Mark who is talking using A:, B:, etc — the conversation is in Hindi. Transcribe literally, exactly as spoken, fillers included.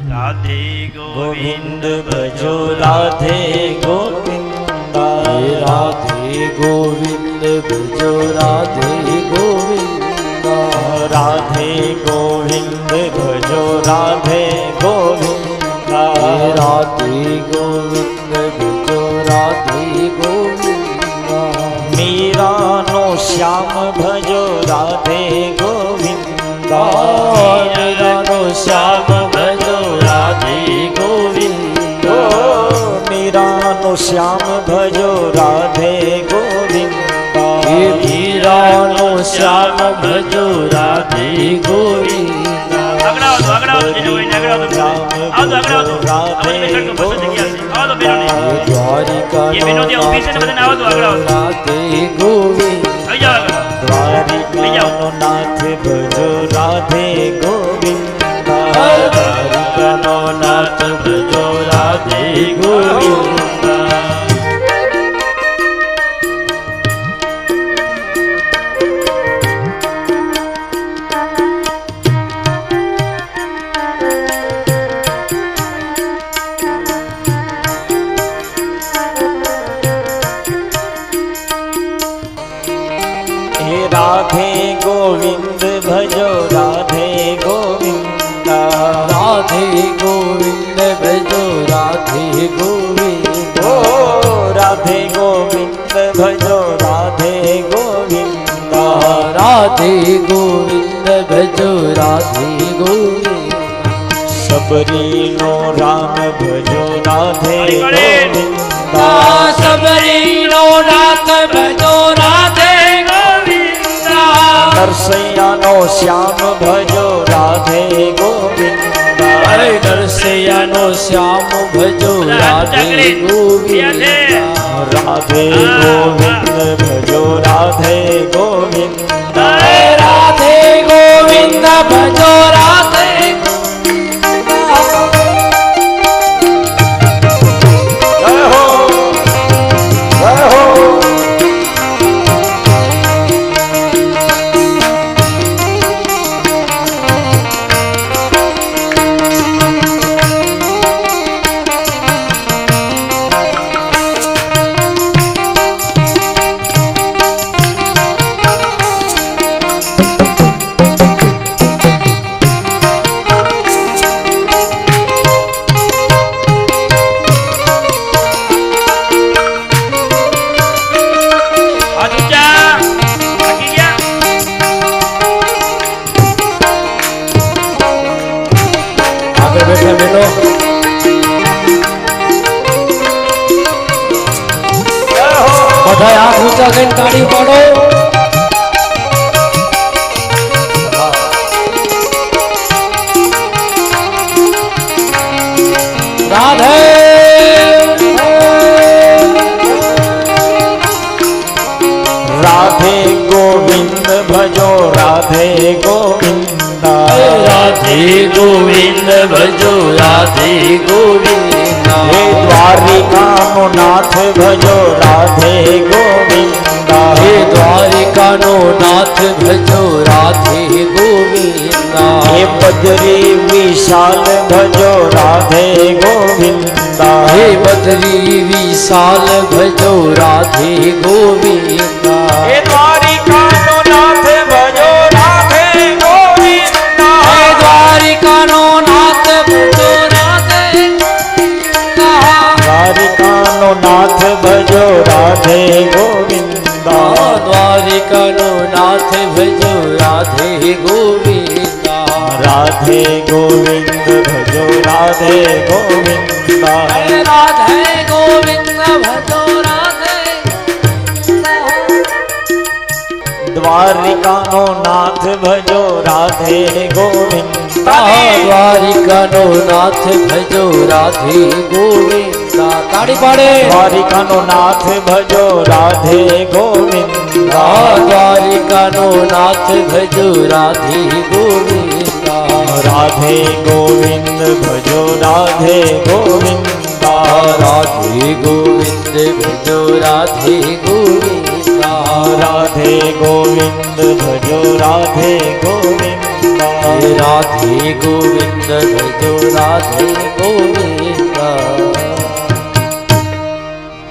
A: राधे गोविंद भजो राधे गोविंदा
B: राधे गोविंद भजो राधे गोविंदा
A: राधे गोविंद भजो राधे गोविंदा
B: राधे गोविंद भजो राधे गोविंदा
A: मीरा नो श्याम भजो राधे गोविंदा
B: मीरा नो श्याम भजो राधे गोविंदा
A: मीरा नो श्याम भजो राधे गोविंदा
B: मीरा नो श्याम भजो राधे गोविंदा
A: अगड़ा दो अगड़ा दो जिन्हें वही अगड़ा दो आओ तो अगड़ा दो राधे गोविंदा आओ तो बिनो
B: द्वारिका
A: ये बिनो दिया पीछे से बदन आओ तो अगड़ा दो
B: राधे गोविंदा
A: आ जाओ द्वारिका नो नाथ भजो राधे गोविंदा
B: द्वारिका नो नाथ भजो राधे गोविंदा
A: राधे गोविंद भजो राधे गोविंदा
B: राधे गोविंद भजो राधे गोविंदा
A: राधे गोविंद भजो राधे गोविंदा
B: राधे गोविंद भजो राधे गोविंदा
A: सबरी नो राम भजो राधे गोविंदा
B: सबरी नो नाथ भजो राधे
A: नरसैया नो श्याम भजो राधे गोविंदा
B: नरसैया नो श्याम भजो राधे गोविंदा
A: राधे गोविंद भजो राधे गोविंदा
B: राधे गोविंद भजो राधे
A: जय हो जय हो
B: બધા હાથ ઊંચા કરીને તાળી પાડો રાધે
A: राधे गोविंद भजो राधे गोविंदा
B: राधे गोविंद भजो राधे गोविंदा
A: हे द्वारिका नो नाथ भजो राधे गोविंदा
B: हे द्वारिका नो नाथ भजो राधे गोविंदा
A: हे बद्री विशाल भजो राधे गोविंदा
B: हे बद्री विशाल भजो राधे गोविंदा
A: हे द्वारिका नो नाथ भजो राधे गोविंदा
B: हे द्वारिका नो नाथ भजो राधे
A: द्वारिका नो नाथ भजो राधे गोविंदा
B: द्वारिका नो नाथ भजो राधे गोविंदा
A: राधे गोविंद भजो राधे गोविंदा
B: राधे गोविंद भजो राधे
A: द्वारिका नो नाथ भजो राधे गोविंदा
B: द्वारिका नो नाथ भजो राधे गोविंदा ताड़ी पाड़े
A: द्वारिका नो नाथ भजो राधे गोविंदा
B: द्वारिका नो नाथ भजो राधे गोविंदा
A: राधे गोविंद भजो राधे गोविंदा
B: राधे गोविंद भजो राधे गोविंदा
A: राधे गोविंद भजो राधे गोविंदा
B: हे राधे गोविंद भजो राधे गोविंद